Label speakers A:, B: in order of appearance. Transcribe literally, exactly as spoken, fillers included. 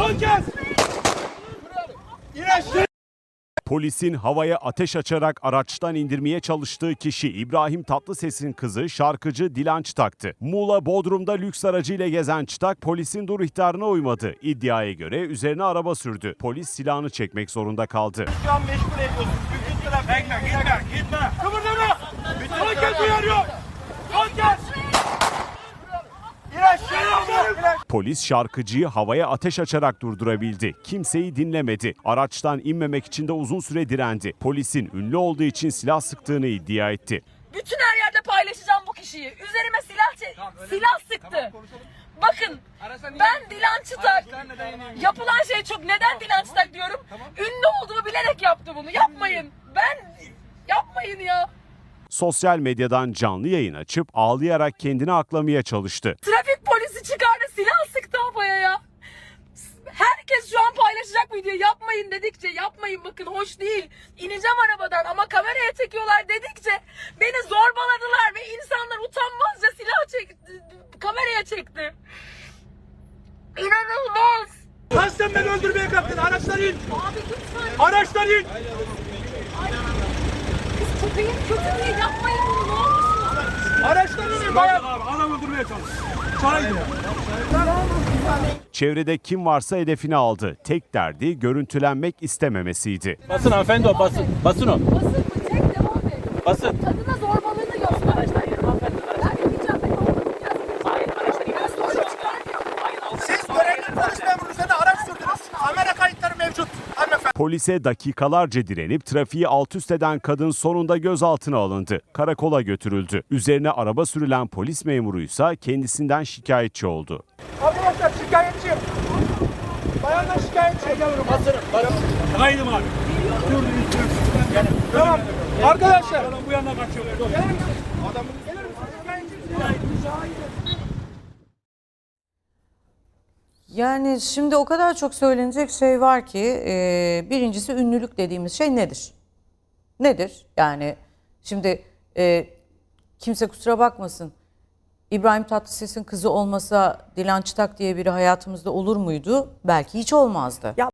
A: Son kez. İn.
B: Polisin havaya ateş açarak araçtan indirmeye çalıştığı kişi İbrahim Tatlıses'in kızı şarkıcı Dilan Çıtak'tı. Muğla Bodrum'da lüks aracıyla gezen Çıtak polisin dur ihtarına uymadı. İddiaya göre üzerine araba sürdü. Polis silahını çekmek zorunda kaldı.
A: Şu an meşgul ediyorsun. Bütün trafik. Bekle, gitme, gitme. Kıpırdama. Son kez uyarıyor. Son kez. İn aşağı.
B: Polis şarkıcıyı havaya ateş açarak durdurabildi. Kimseyi dinlemedi. Araçtan inmemek için de uzun süre direndi. Polisin ünlü olduğu için silah sıktığını iddia etti.
C: Bütün her yerde paylaşacağım bu kişiyi. Üzerime silah tamam, silah sıktı. Tamam, bakın ben Dilan Çıtak. Yapılan şey çok. Neden Dilan Çıtak diyorum? Tamam. Ünlü olduğumu bilerek yaptı bunu. Yapmayın. Ben yapmayın ya.
B: Sosyal medyadan canlı yayın açıp ağlayarak kendini aklamaya çalıştı.
C: Trafik polisi çıkardı, silah sıktı havaya ya. Herkes şu an paylaşacak video. Yapmayın dedikçe, yapmayın bakın hoş değil. İneceğim arabadan ama kameraya çekiyorlar dedikçe beni zorbaladılar ve insanlar utanmazca silah çekti, kameraya çekti. İnanılmaz.
A: Lan sen beni öldürmeye kalktın. Araçtan in.
C: Abi lütfen.
A: Araçtan in.
C: Kız köpeğin kötü değil, yapmayın bunu, ne olursunuz.
A: Araçtan in. Bayağı abi adam öldürmeye çalış. Çay diyor.
B: Çevrede kim varsa hedefine aldı. Tek derdi görüntülenmek istememesiydi.
D: Basın hanımefendi o basın. Basın o.
C: Basın mı? Çek, devam et.
D: Basın.
C: Kadına zorbalığını göster. Araçtan yürü hanımefendi. Ben gideceğim, ben olmayacağım. Hayır, araçtan yürü.
A: Siz görevli polis memuru üzerine araç sürdünüz. Kamera kayıtları mevcut. Hanımefendi.
B: Polise dakikalarca direnip trafiği alt üst eden kadın sonunda gözaltına alındı. Karakola götürüldü. Üzerine araba sürülen polis memuruysa kendisinden şikayetçi oldu.
A: Arkadaşlar şikayetçiyim. Bayanlar şikayetçi. Basırım. Kaydım abi. Dur, dur, dur. Tamam. Arkadaşlar. Adam bu yana kaçıyor. Adamın gelir misin? Şikayetçiyim.
E: Yani şimdi o kadar çok söylenecek şey var ki e, birincisi ünlülük dediğimiz şey nedir? Nedir? Yani şimdi e, kimse kusura bakmasın, İbrahim Tatlıses'in kızı olmasa Dilan Çıtak diye biri hayatımızda olur muydu? Belki hiç olmazdı.
F: Ya